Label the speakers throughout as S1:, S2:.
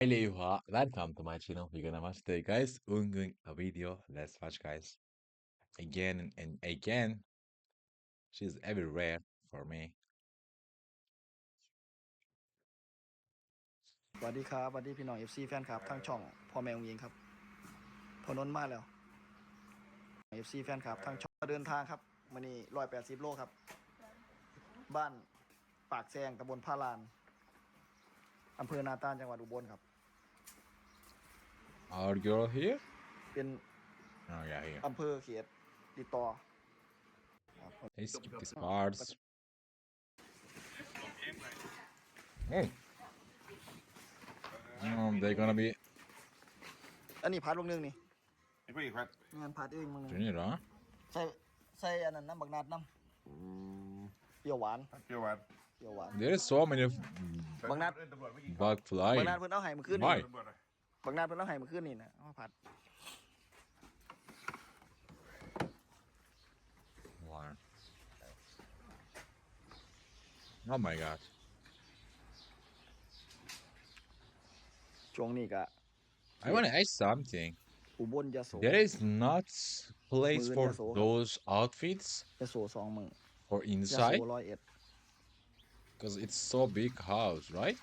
S1: Hello, welcome to my channel. We're gonna watch today, guys. We're doing a video. Let's watch, guys. Again and again. She's everywhere for me.
S2: สวัสดีครับสวัสดีพี่น้อง FC แฟนคลับทางช่องพ่อแม่องยิงครับพอนนท์มาแล้ว FC แฟนคลับทางช่องเดินทางครับมื้อนี้180 โลครับบ้านปากแซงตำบลพาลานอำเภอนาตาลจังหวัดอุบลครับ
S1: Our girl here?
S2: เป็น
S1: Oh, yeah, here.
S2: อำเภอเขตติดต่อครับ
S1: Let's skip these parts. Oh. They're gonna be
S2: อันนี้พัดลงนึงนี่
S3: ไอ้พวกอีกพัด
S2: งานพัดเองมึง
S1: doing it, huh?
S2: ใส่อันนั้นน้ำบักนาดน้ำเปรี้ยวหวาน
S3: เปรี้ยวหวาน
S2: เปรี้ยวหวาน
S1: There is so many
S2: บางนัด
S3: ตำรวจไม่กิน
S1: bug
S2: บักนาด
S1: flying.
S2: เพิ่นเอาให้มื้อคืน
S1: ไม่
S2: นี่
S3: ตำรวจอะ
S2: บักนาดเพิ่นเอาให้มื้อคืนนี่นะเอามาผัด
S1: Wow. Oh my god.
S2: ช่วงนี้ก็
S1: I wanna ask something.
S2: อุบลยโส
S1: There is not place for
S2: Mưa Yaso.
S1: those outfits
S2: ยโส2 มื้อ
S1: for
S2: ยโส
S1: inside?
S2: 101
S1: Because it's so big house, right?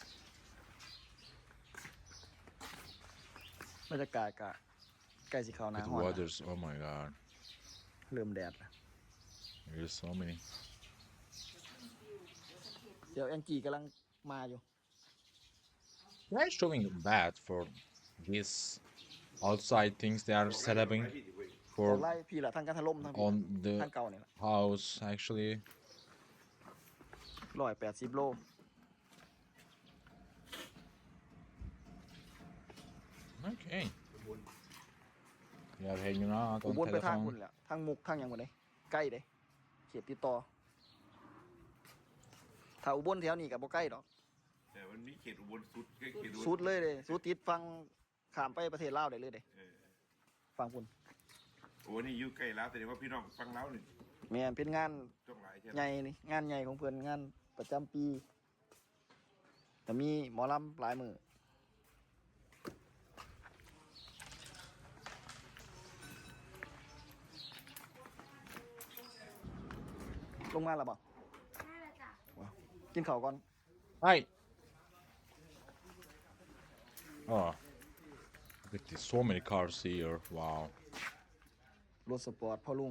S2: บรรยากาศก็ใกล้สิเข้าหน้า
S1: With
S2: ร้อนแล้ว
S1: waters, oh my god.
S2: เริ่มแดดแล้ว
S1: There's so many.
S2: เดี๋ยวแองจี้กำลังมาอยู่
S1: They're showing bad for these outside things they are setting
S2: ออก
S1: for
S2: ไล่พี่ละทั้งการถล่มทั้งพี่
S1: on the
S2: ทั้งเก่านี่ละ
S1: house actually.
S2: 180 โล
S1: Okay. Yeah, hanging out
S2: อุ
S1: on
S2: บลไปทางพุ่น
S1: telephone.
S2: แหละทางมุกทางหยังบ่ได้ใกล้เด้เขตติดต่อถ้าอุบลแถวนี้ก็บ่ใกล้ดอก
S3: แต่มันมีเขตอุบลสุดเขตอุบล
S2: สุดเลยเด้สุดติดฟังข้ามไปประเทศลาวได้เลยเด้
S3: เออ
S2: ฟังพุ่น
S3: โอ้นี่อยู่ใกล้แล้วแต่ว่าพี่น้องฟังแล้วนี่
S2: แม่นเป็นงาน
S3: จ้องหลายใช่ไหม
S2: ใหญ่นี่งานใหญ่ของเพิ่นงานประจำปีแต่มีหมอลำหลายมื้อลงมาแล้วบ่ว้าวกินข้าวก่อน
S1: Hi. Oh, look at this. So many cars here. Wow.
S2: รถสปอร์ตพ่อลุง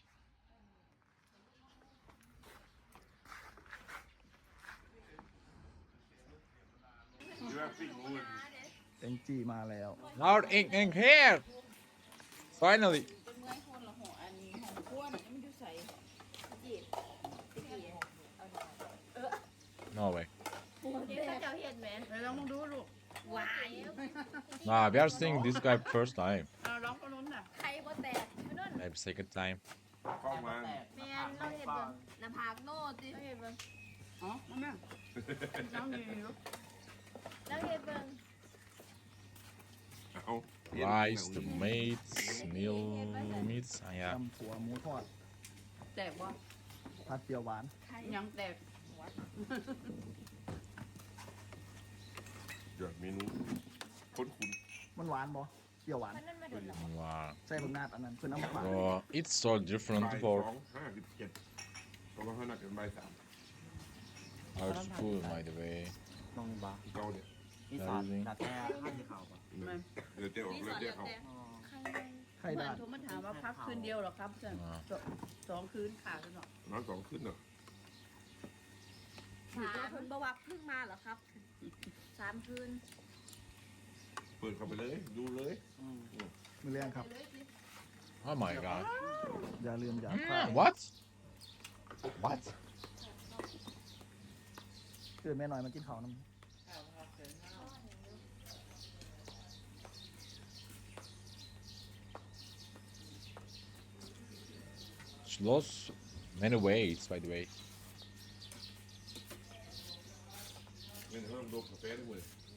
S3: อยู่ว่าปิ้งงู
S2: เอ็นจีมาแล้ว
S1: Now in here. Finally.
S4: เป็นเมื่อยคนละหัวอันนี้ของขั้วน่ะมันอยู่ใส่จีบตะกี้
S1: No way.
S4: เดี๋ยวเขาจะเห็นไหมลองดูลูกวาย
S1: Nah, we are seeing this guy first time.
S4: เอาลองคนนู้นน่ะใครบ่แตกไม่นั่น
S1: Maybe second time.
S3: เข้ามา
S4: แม่นเราเห็นเบิ่งหน้าผากโน่ติเราเห็นเบิ่งอ๋อมาแม่น้องอยู่เราเห็นเบิ่ง
S3: เอา
S1: Rice, the meats, meal meats. Yeah.
S2: ตำถั่วหมูทอด
S4: แตกบ่
S2: ผัดเปรี้ยวหวาน
S4: ยังแตก
S3: ยอดเมนูคุ้น
S2: มันหวานบ่เปรี้ยวหวาน
S1: Wow.
S2: ใส่บักนาดอันนั้นเพิ่นเอามาฝาก
S1: Oh, it's so
S3: ๆ
S1: different
S3: บ่าย
S1: for
S3: 2:57เพราะว่าเขานัดกันบ่าย3
S1: our school, by the way.
S5: ลงบา
S3: เก่าเนี่ย
S5: อีสานดัดแท้ข้ามที่เขาปะ
S3: เดี๋ยวเดี๋ยวออกเดี๋ยวเขา
S2: ไข่
S4: เหมือ
S2: ดาน ด
S4: โทรมาถามว่าพักคืนเดียวเหรอครับสองคืนขาดแล้วเนาะ
S3: นอน2 คืนเนาะ
S6: คุณประวัติเพิ่งมาเหรอครับ 3 คืน
S3: เปิดเข้าไปเลยดูเลย
S2: มื้อแรงครับ
S1: Oh my god.
S2: อย่าลืมอย่าพลาด
S1: What? What?
S2: คือแม่น้อยมากินข้าวนำ
S1: She lost many weights, by the way.
S3: เงินเริ่มโดนกาแฟด้วย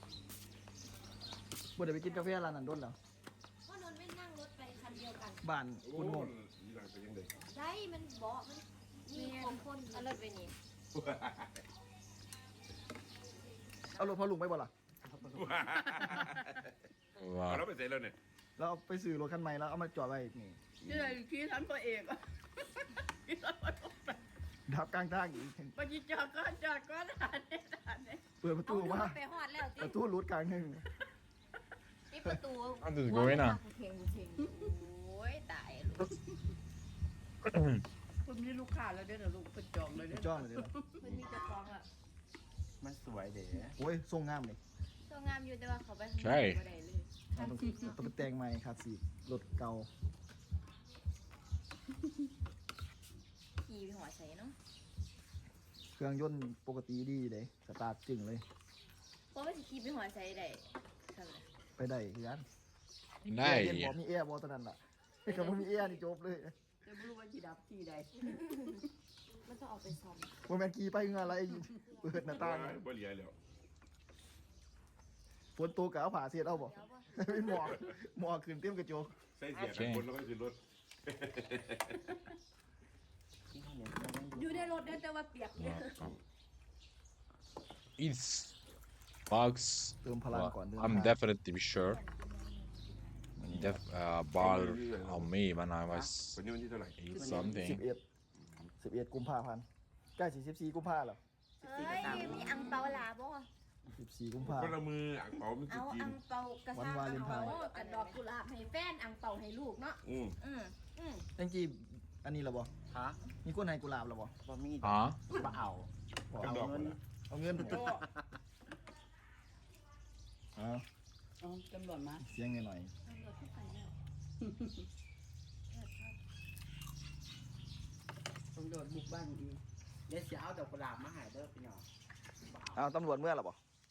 S2: บ่ได้ไปกินกาแฟร้านนั้นโดนแล้ว
S6: พ่อนนท์ไม่นั่งรถไปคันเดียวกัน
S2: บ้าน
S3: โอ้
S2: คุณโม
S3: ย
S2: ง
S3: อีหลังเป็นยังไง
S6: ใช่มันบอกมันมีของคนเอารถไปนี่
S2: เอารถพ่อลุงไปบ่ล่ะ
S5: เขาไป
S3: เอา
S1: Wow.
S3: แล้วไปเสร็จแล้วเนี่ย
S2: แล้วเอาไปซื้อรถคันใหม่แล้วเอามาจอดไว้นี่
S7: นี่เลยขี่ทันตัวเอกขี่ทันตัวเอก
S2: ดับกลางทางอีก
S7: ไปยิงจอดก็ทานเนี่ย
S2: เปิดประ
S6: เอา
S2: ตู
S6: ลูก
S2: มา
S6: ไปหอดแล้ว
S2: ประ
S6: ติ
S2: ตูรุดกลางหนึง
S6: ปิดประตู
S1: How does it go in?
S6: กูเทงโอ้ยตายลูก
S7: คุณมีลูกค้าแล้วเด้อลูกเป็นจองเลยเด้อ
S2: จ้องเลยเดี๋ยวนะ
S6: มันมีเจะคลองอ่ะ
S5: มันสวยเด้
S2: โอ้ยทรงงามเลย
S6: ตัวงามอยู่แต่ว่าเขาไปข้างนอก
S1: ใช่
S6: บ่ได้เลย
S2: เอาต้องไปแต่งใหม่ครับสีรถเก่า
S6: ขี่ไปหัวใส่เนาะ
S2: เครื่องยนต์ปกติดีเลยสตาร์ทจึงเลย
S6: เพราะว่าสิขี่ไปหัวใส่ได้ทำไม
S2: ไปได้คือกัน
S1: Nice.
S2: เย็นบอกมีแอร์บอตอนนั้นล่ะถ้าบ่มีแอร์นี่จบเลย
S7: จะไม่รู้ว่าจีดับที่ใด
S6: มันต้องเอาไปซ่อม
S2: ว่าแมนกีไปเงนอะไรเปิดหน้าต่าง
S3: บ่เหลียแล้ว
S2: ฝนตกกะเอาผ้าเสียดเอาบ่
S6: เดี๋ยวว่า
S2: เป็นหมอกขึ้นเต็มกระจก
S3: ใส่เสียกันบนแล้วก็ขึ้นรถ
S5: ที่เขาเนี่ยมันยัง
S6: อยู่ในรถเด้อแต่ว่าเปียกเนี่ย
S1: It's bugs.
S2: เติมพลัง
S1: Well,
S2: ก่อนเดิน
S1: I'm
S2: ทาง
S1: definitely sure. Ball on me when I was
S3: วันนี้วันที่เท่าไหร่
S1: 8
S2: 11
S1: something.
S2: 11กุมภาพันธ์ใกล้14กุมภาพันธ์แล้ว
S6: เฮ้ยมีอังเปาหลาบ่
S2: 14กุมภา
S3: ค
S2: พัน
S3: น
S2: ธ์
S3: ละมืออ่างเปามัน
S6: เอา
S3: จะกิน
S6: อังเปากระซ่า
S2: วันวา
S6: อั
S2: เล
S6: ง
S2: นไท
S6: เปา
S2: น์
S6: กับดอกกุหลาบให้แฟนอังเปาให้ลูกเนาะ
S3: อืม
S6: อืมอืม
S2: จังกี้อันนี้ล่ะบ่
S5: ฮะ
S2: มีคนให้กุหลาบล่ะบ่
S5: บ่มี
S1: Huh?
S5: บ่เอา
S2: บ่
S3: กระ
S2: เอา
S3: ดอก
S5: เงิน
S2: เอาเงินเอา
S7: เอาตำรวจมา
S2: เสียงหน่อย
S7: ตำรวจบุกบ้านอีก
S5: เดี๋ยวสิเอาดอกกุหลาบมาให้เด้อพี่น้อง
S2: ๆเอาตำรวจเมื่อล่ะบ่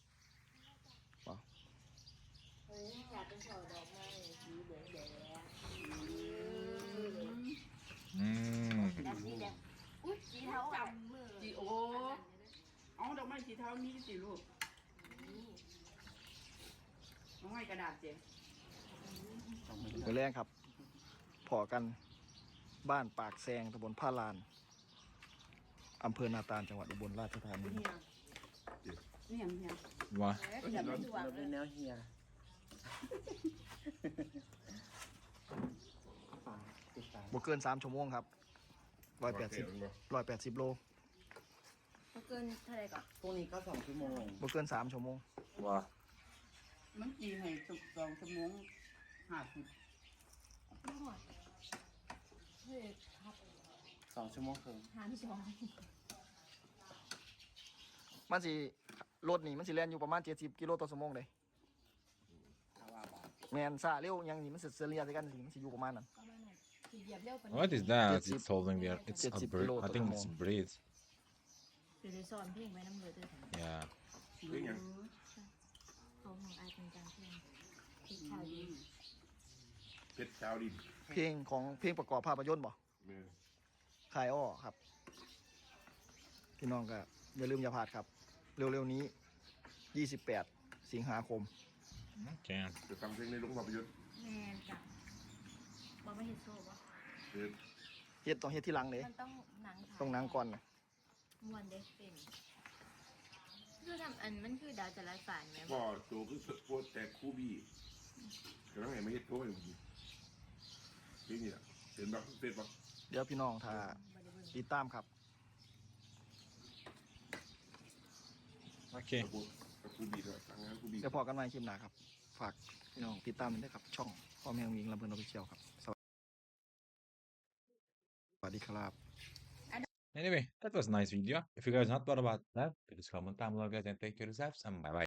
S6: เฮ้ยอยากเป็นช่อดอกไม้สีเหลืองแดง
S1: Mm.
S6: แบบนี้แหละอุ้ยสีเทาจำมือ
S7: จีโอเอาดอกไม้สีเทามีสิลูกดอกไม้กระดาษเจ๊
S2: มื้อแรงครับพอกันบ้านปากแซงตำบลผ้าลานอำเภอนาตาลจังหวัดอุบลราชธานี
S7: เนี่ยเนี่ย
S1: What?
S6: เดี๋ยวไม่สว่าง
S5: เรา
S6: เล
S5: เป็
S6: ย
S5: นแนวเฮียติดตาม
S2: บ่เกิน3ชั่วโมงครับ180โล
S6: มันเกินเท่าไหร่ก่อน
S5: พรุ่งนี้ก็2 ชั่วโมง
S2: บ่เกิน3ชั่วโมง
S1: What?
S7: มันจีให้2 ชั่วโมง50
S6: ไม่หอดเฮ้ยครับ
S5: 2 ชั่วโมงครึ่ง
S6: หาที่สอง
S2: มันสิรถนี่มันสิแล่นอยู่ประมาณ70กิโลต่อชั่วโมงเลย
S5: ถ้าว่าบ่
S2: แม่นซาเร็วหยังนี่มันสิเฉลี่ยใส่กันสิมันสิอยู่ประมาณนั้น
S6: ก็ไม่หน่อยคือเหยียบเร็วกว่า
S1: What is that?
S2: 70
S1: It's holding there. It's a
S2: 70
S1: bird.
S2: kilo
S1: I think
S2: per
S1: it's
S2: hour.
S1: breed.
S6: คือได้ซ้อนเพลงไว้น้ำเลยด้วยกัน
S1: Yeah.
S3: เรื่องหยัง
S6: เขาของอายเป็นการเพลงเพลงชาวดี
S3: เพชรเช้าดิน
S2: เพลงของเพลงประกอบภาพยนตร์บ่
S3: เออ
S2: คายอ้อครับพี่น้องก็อย่าลืมอย่าพลาดครับ เร็วๆนี้ 28 สิงหาคม
S1: Okay.
S3: จะทำเพลงในโรงภาพยนตร์
S6: แมนจ้ะบอกไม่เห็นโซ่ปะ
S3: เออ
S2: เฮ็ดต้องเฮ็ดที่หลังเลย
S6: มันต้องหนังถ่าย
S2: ต้องหนังก่อนนะ
S6: มวนเด็กเป็นคือทำอันมันคือดาวจะไร้ฝันไหม
S3: พ่อโตคือโพสแต่คู่บี้กำลังไงไม่เฮ็ดโต้อยู่นี่นี่แหละเห็นบักเฟซบัก
S2: เดี๋ยวพี่น้องถ้าติดตามครับ
S1: Okay.
S3: กับคู่บี้ด้วยทางงานคู่บี้
S2: เดี๋ยวพอกันใหม่คลิปหน้าครับ ฝากพี่น้องติดตามด้วยครับ ช่องพ่อแม่วิงลำเพลินออฟฟิเชียลครับ สวัสดีครับ
S1: Anyway, that was a nice video. If you guys not thought about that, please comment down below, guys, and take care of yourselves, and bye bye.